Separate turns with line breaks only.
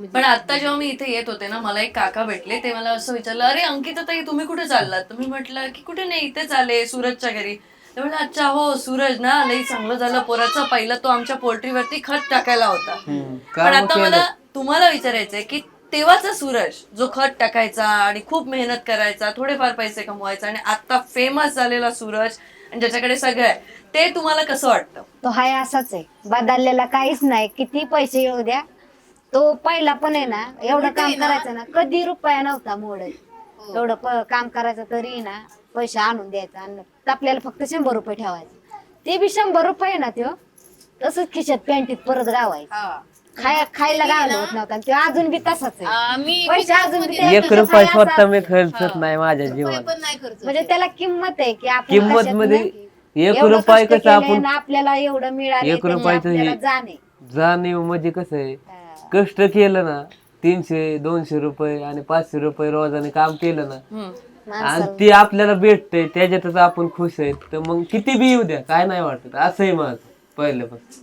पण आता जेव्हा मी इथे येत होते ना, मला एक काका भेटले. ते मला असं विचारलं, अरे अंकिता ताई तुम्ही कुठे चाललात? तर मी म्हटलं की कुठे नाही, इथेच आले सूरजच्या घरी. ते म्हणले अच्छा हो सूरज ना, लई चांगलं झालं पोराचं. पहिलं तो आमच्या पोल्ट्रीवरती खत टाकायला होता. पण
काम
आता
केलं.
मला तुम्हाला विचारायचंय की तेव्हाचा सूरज जो खत टाकायचा आणि खूप मेहनत करायचा, थोडेफार पैसे कमवायचा, आणि आता फेमस झालेला सूरज आणि ज्याच्याकडे सगळं आहे, ते तुम्हाला कसं वाटतं?
तो हाय असाच आहे, बदललेला काहीच नाही. किती पैसे येऊ द्या, तो पहिला पण आहे ना, एवढं काम करायचं ना, कधी रुपया नव्हता मोडत. एवढं काम करायचं तरी ना पैसे आणून द्यायचा, आणि आपल्याला फक्त 100 रुपये ठेवायचे. ते बी 100 रुपये ना त्यो तसंच खिशात पॅन्टीत परत गावायचं. खायला गावलं होत नव्हता, तो अजून बी तसाच आहे. पैसे अजून बी त्याच्या
1
खिशात
रुपया
आहे असं
स्वतः मी
असतं.
खर्चत नाही माझ्या जीवात.
म्हणजे त्याला किंमत आहे की आपण
किंमत
कशात
मध्ये
नाही,
1
एवढं
रुपया
कष्ट
कसं
केलंय
आपण
ना, आपल्याला एवढं मिळाले
1
त्याची
रुपयाचं
आपल्याला
हे
जाणे.
जाणीव म्हणजे कसं आहे, कष्ट केलं ना 300-200 रुपये आणि 500 रुपये रोजाने काम केलं ना, आणि ते आपल्याला भेटतंय त्याच्यातच आपण खुश आहेत, तर मग किती बी येऊ द्या काय नाही वाटत. असंही माझं पहिल्यापासून.